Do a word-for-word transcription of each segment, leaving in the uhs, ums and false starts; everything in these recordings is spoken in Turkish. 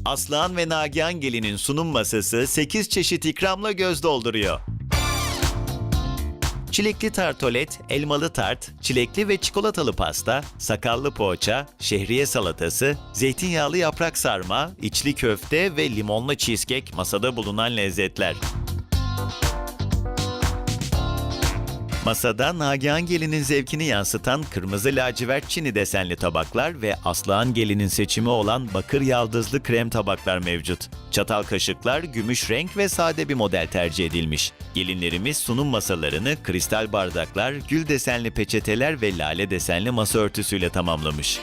Aslıhan ve Nagihan Gelin'in sunum masası sekiz çeşit ikramla göz dolduruyor. Çilekli tartolet, elmalı tart, çilekli ve çikolatalı pasta, sakallı poğaça, şehriye salatası, zeytinyağlı yaprak sarma, içli köfte ve limonlu cheesecake masada bulunan lezzetler. Masada Nagihan Gelin'in zevkini yansıtan kırmızı lacivert çini desenli tabaklar ve Aslıhan Gelin'in seçimi olan bakır yaldızlı krem tabaklar mevcut. Çatal kaşıklar gümüş renk ve sade bir model tercih edilmiş. Gelinlerimiz sunum masalarını kristal bardaklar, gül desenli peçeteler ve lale desenli masa örtüsüyle tamamlamış.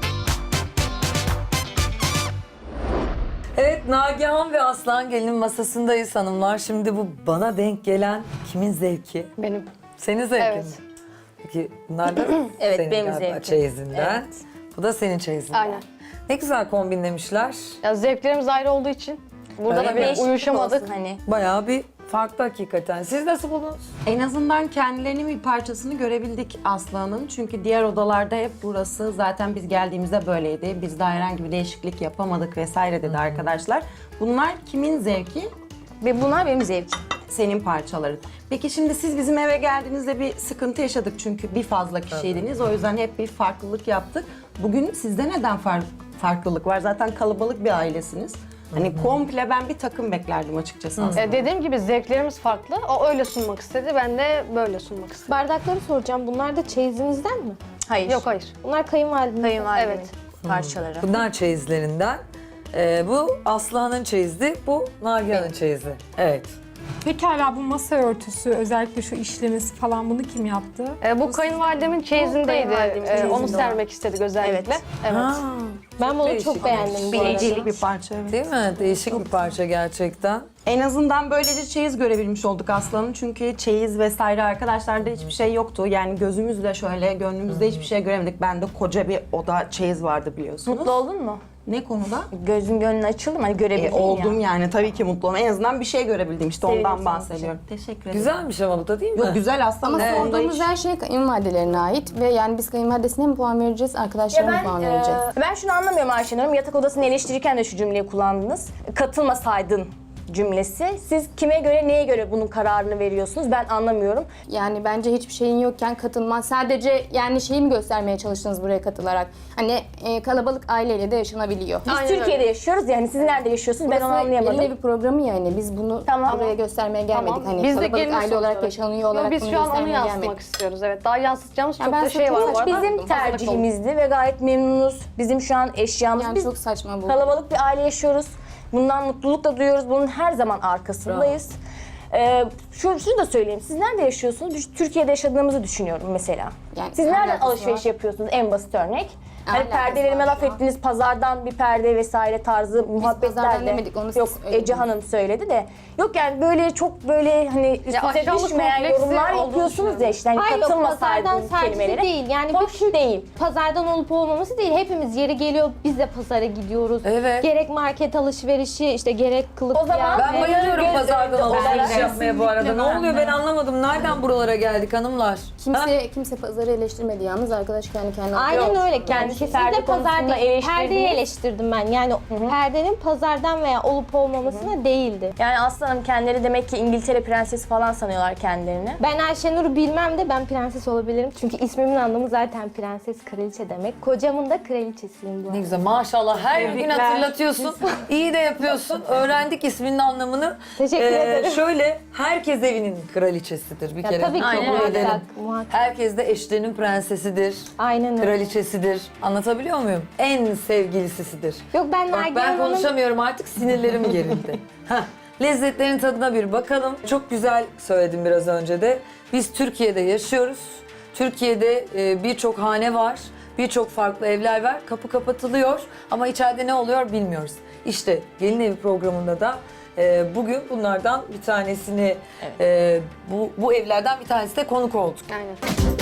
Evet, Nagihan ve Aslıhan Gelin'in masasındayız hanımlar. Şimdi bu bana denk gelen kimin zevki? Benim. Senin zevkin Evet. mi? Peki bunlar da Evet, senin benim galiba zevkim. çeyizinden. Evet. Bu da senin çeyizinden. Aynen. Ne güzel kombinlemişler. Ya zevklerimiz ayrı olduğu için burada Öyle da mi? bir Değişiklik uyuşamadık. olsun hani. Bayağı bir farklı hakikaten. Siz nasıl buldunuz? En azından kendilerinin bir parçasını görebildik Aslıhan'ın. Çünkü diğer odalarda hep burası zaten biz geldiğimizde böyleydi. Biz daha herhangi bir değişiklik yapamadık vesaire dedi arkadaşlar. Bunlar kimin zevki? Ve bunlar benim zevkim. Senin parçaların. Peki şimdi siz bizim eve geldiğinizde bir sıkıntı yaşadık çünkü bir fazla kişiydiniz. O yüzden hep bir farklılık yaptık. Bugün sizde neden far- farklılık var? Zaten kalabalık bir ailesiniz. Hani komple ben bir takım beklerdim açıkçası aslında. E, dediğim gibi zevklerimiz farklı. O öyle sunmak istedi, ben de böyle sunmak istedim. Bardakları soracağım. Bunlar da çeyizinizden mi? Hayır. Yok hayır. Bunlar kayınvalidenizden. Kayınvalidemin Evet. parçaları. Bunlar çeyizlerinden. Ee, bu Aslıhan'ın çeyizi, bu Nagihan'ın çeyizi. Evet. Pekala bu masa örtüsü, özellikle şu işlemesi falan bunu kim yaptı? E, bu kayınvalidemin çeyizindeydi. kayınvalidemin E, onu çeyizinde sermek istedik özellikle. Evet. Evet. Ha, Ben bunu değişik. çok beğendim bu arada. Biricilik bir parça. Evet. değil mi? Değişik bir parça gerçekten. En azından böylece çeyiz görebilmiş olduk Aslan'ın. Çünkü çeyiz vesaire arkadaşlarda hiçbir şey yoktu. Yani gözümüzle şöyle, gönlümüzde hiçbir şey göremedik. Bende koca bir oda çeyiz vardı biliyorsunuz. Mutlu oldun mu? Ne konuda? Gözün gönlün açıldı mı? Hani E, görebildin oldum ya. yani tabii ki mutlu oldum. En azından bir şey görebildim işte Sevindim ondan senin bahsediyorum. Teşekkür ederim. Güzelmiş ama bu da değil mi? Yok güzel aslında. Ama Evet, onda sorduğumuz hiç- her şey kayınvalidelerine ait ve yani biz kayınvalidesine mi puan vereceğiz, Ya arkadaşlarına mı ben, puan e, vereceğiz? ben şunu anlamıyorum Ayşen Hanım. Yatak odasını eleştirirken de şu cümleyi kullandınız. Katılmasaydın cümlesi. Siz kime göre, neye göre bunun kararını veriyorsunuz? Ben anlamıyorum. Yani bence hiçbir şeyin yokken katılman. Sadece yani şeyi mi göstermeye çalıştınız buraya katılarak? Hani e, kalabalık aileyle de yaşanabiliyor. Biz Aynen Türkiye'de öyle. yaşıyoruz yani siz nerede yaşıyorsunuz? Ben onu Burası anlayamadım. gelin evi programı yani. Biz bunu Tamam. buraya göstermeye gelmedik. Tamam. Hani Biz de kalabalık gelin aile olarak sonuçta. yaşanıyor olarak Yok, biz bunu şu an onu göstermeye yansıtmak gelmedik. istiyoruz. Evet. Daha yansıtacağımız Ya çok ben da şey var bu saçma arada. Bizim Hazırlıklı olun. tercihimizdi ve gayet memnunuz. Bizim şu an eşyamız. Yani Biz çok saçma bu. kalabalık bir aile yaşıyoruz. Bundan mutluluk da duyuyoruz. Bunun her zaman arkasındayız. Ee, şu, şunu da söyleyeyim. Siz nerede yaşıyorsunuz? Biz Türkiye'de yaşadığımızı düşünüyorum mesela. Yani Siz nereden alakası alışveriş var. yapıyorsunuz? En basit örnek. Hani Alakası perdelerime var laf şu an. ettiniz, pazardan bir perde vesaire tarzı muhabbetler pazardan de. demedik, onu siz Yok, söylediniz. Ece Hanım söyledi de. Yok yani böyle çok böyle hani üstüne aşağılık düşmeyen kompleksi yorumlar olduğunu yapıyorsunuz ya işte. Hani Hayır yok, pazardan katılmasaydınız sadece kelimelere. değil. Yani Hoş bir değil. pazardan olup olmaması değil. Hepimiz yeri geliyor, biz de pazara gidiyoruz. Evet. Gerek market alışverişi, işte gerek kılık O zaman kıyafet. Ben bayılıyorum Göz pazardan önünde alışveriş olarak- yapmaya bu arada. Ne oluyor ben anlamadım. Nereden buralara geldik hanımlar? Kimse Ha? kimse pazarı eleştirmedi yalnız arkadaş kendi kendine. Aynen Yok, öyle. kendisi Kendisi perde de konusunda pazarda eleştirdiniz. perdeyi eleştirdim ben. Yani perdenin pazardan veya olup olmamasına değildi. Yani aslanım kendileri demek ki İngiltere prensesi falan sanıyorlar kendilerini. Ben Ayşenur'u bilmem de ben prenses olabilirim. Çünkü ismimin anlamı zaten prenses, kraliçe demek. Kocamın da kraliçesiyim bu Ne arada. güzel maşallah her gün Tebrikler. hatırlatıyorsun. İyi de yapıyorsun. Öğrendik isminin anlamını. Teşekkür ederim. Şöyle herkes evinin kraliçesidir bir Ya kere. tabii ki Kabul muhakkak, edelim. muhakkak. Herkes de eşlerinin prensesidir. Aynen öyle. Kraliçesidir. Anlatabiliyor muyum? En sevgilisidir. Yok ben Bak Nagihan ben Hanım... konuşamıyorum artık sinirlerim gerildi. Heh, lezzetlerin tadına bir bakalım. Çok güzel söyledim biraz önce de. Biz Türkiye'de yaşıyoruz. Türkiye'de e, birçok hane var. Birçok farklı evler var. Kapı kapatılıyor ama içeride ne oluyor bilmiyoruz. İşte Gelin Evi programında da e, bugün bunlardan bir tanesini, e, bu, bu evlerden bir tanesi de konuk olduk. Aynen.